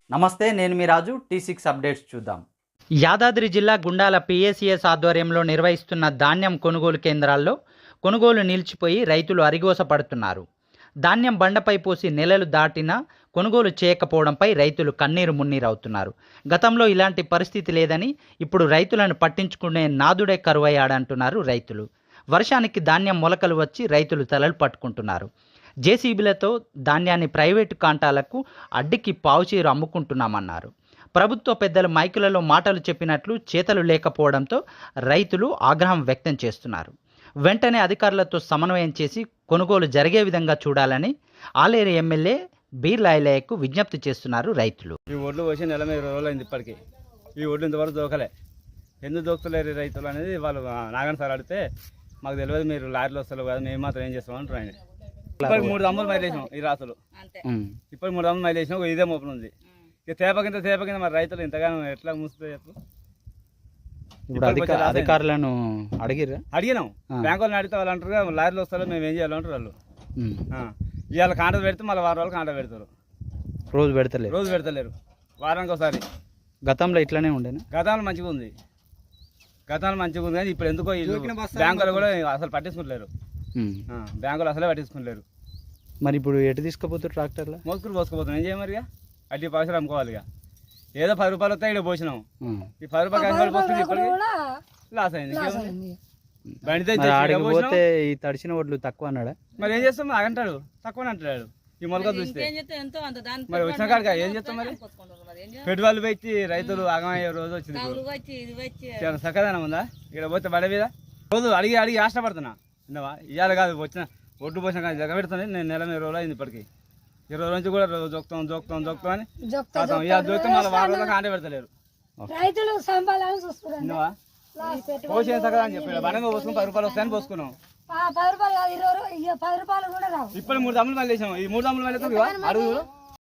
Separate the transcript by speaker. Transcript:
Speaker 1: నమస్తే, నేను మీ రాజు. T6 updates చూద్దాం.
Speaker 2: యాదాద్రి జిల్లా గుండాల పిఎసిఎస్ ఆధ్వర్యంలో నిర్వహిస్తున్న ధాన్యం కొనుగోలు కేంద్రాల్లో కొనుగోలు నిలిచిపోయి రైతులు అరిగోస పడుతున్నారు. ధాన్యం బండపై పోసి నెలలు దాటినా కొనుగోలు చేయకపోవడంపై రైతులు కన్నీరు మున్నీరవుతున్నారు. గతంలో ఇలాంటి పరిస్థితి లేదని ఇప్పుడు రైతులను పట్టించుకునే నాదుడే కరువయ్యాడంటున్నారు రైతులు. వర్షానికి ధాన్యం మొలకలు వచ్చి రైతులు తలలు పట్టుకుంటున్నారు. జేసీబీలతో ధాన్యాన్ని ప్రైవేటు కాంటాలకు అడ్డికి పావుచీరు అమ్ముకుంటున్నామన్నారు. ప్రభుత్వ పెద్దలు మైకులలో మాటలు చెప్పినట్లు చేతలు లేకపోవడంతో రైతులు ఆగ్రహం వ్యక్తం చేస్తున్నారు. వెంటనే అధికారులతో సమన్వయం చేసి కొనుగోలు జరిగే విధంగా చూడాలని ఆలేరు ఎమ్మెల్యే బీర్లాయలయ్యకు విజ్ఞప్తి చేస్తున్నారు రైతులు.
Speaker 3: ఈ ఒడ్లు వచ్చి నెల మీద 20 రోజులు అయింది. ఇప్పటికీ ఈ ఒడ్లు ఇంతవరకు దొరకలే. ఎందుకు దొరుకుతలేరు రైతులు అనేది వాళ్ళు నాగన్ సార్ అడిగితే మాకు తెలియదు, మీరు లారీలు వస్తారు కదా, మేము మాత్రం ఏం చేస్తాం అంటారు ఆయన. ఇప్పటికి 3 దమ్ములు మైలేసాం ఈ రాసులు. ఇప్పటికి 3 దమ్ములు మైలేసాం. ఇదే మోపన ఉంది. ఇక తేపకింత మరి రైతులు ఇంతగానో ఎట్లా మూస్తుంది చెప్పు.
Speaker 2: అధికారులను
Speaker 3: అడిగినాం. బ్యాంకు వాళ్ళని అడిగితే వాళ్ళు అంటారు లారీలు వస్తారు, మేము ఏం చేయాలంటారు వాళ్ళు. ఇవాళ కాంట పెడితే మళ్ళీ వారం వాళ్ళు కాంట పెడతారు.
Speaker 2: రోజు
Speaker 3: పెడతలేరు వారానికి ఒకసారి.
Speaker 2: గతంలో ఇట్లానే ఉండేనా?
Speaker 3: గతంలో మంచిగా ఉంది కానీ ఇప్పుడు ఎందుకో బ్యాంకులు కూడా అసలు పట్టించుకుంటలేరు. బ్యాంకులు అసలే పట్టించుకుంటలేరు.
Speaker 2: మరి ఇప్పుడు ఎటు తీసుకుపోతారు? ట్రాక్టర్లో
Speaker 3: మోసుకుని పోసుకుపోతున్నాం. ఏం చేయమరిగా అడ్డి పైసలు అమ్ముకోవాలి. ఇక ఏదో 10 రూపాయలు వస్తాయి, ఇక్కడ పోసినాం. ఈ 10 రూపాయలు పోస్తుంది, ఇప్పటికి లాస్ అయింది. బండితే
Speaker 2: పోతే ఈ తడిసిన ఒడ్లు తక్కువ అన్నాడా?
Speaker 3: మరి ఏం చేస్తాం? అంటాడు తక్కువ అంటాడు. ఈ మొలక చూస్తే మరి వచ్చిన కాడికి ఏం చేస్తాం? మరి పెట్టుబడులు పెట్టి రైతులు ఆగమయ్యే రోజు వచ్చింది. చాలా చక్కదనం ఉందా ఇక్కడ పోతే బండి మీద? రోజు అడిగి ఆశపడుతున్నా. విన్నావా? ఇవాళ కాదు, వచ్చిన ఒడ్డు పోసిన కానీ జగ పెడుతుంది. నేను నెల 20 రోజులు అయింది. ఇప్పటికి 20 రోజు నుంచి కూడా జోక్తాం అని ఇవాళ జోక్తాం. మళ్ళీ వారం రోజులకు ఆంటే పెడతలేరు. విన్నావా? పోసిన చక్కదా అని చెప్పాడు. బండంగా పోసుకుని 10 రూపాయలు వస్తాయని పోసుకున్నాం. ఇప్పుడు 3 దమ్ములు మళ్ళీ వేసాం. ఈ 3 దమ్ములు మళ్ళీ అడుగు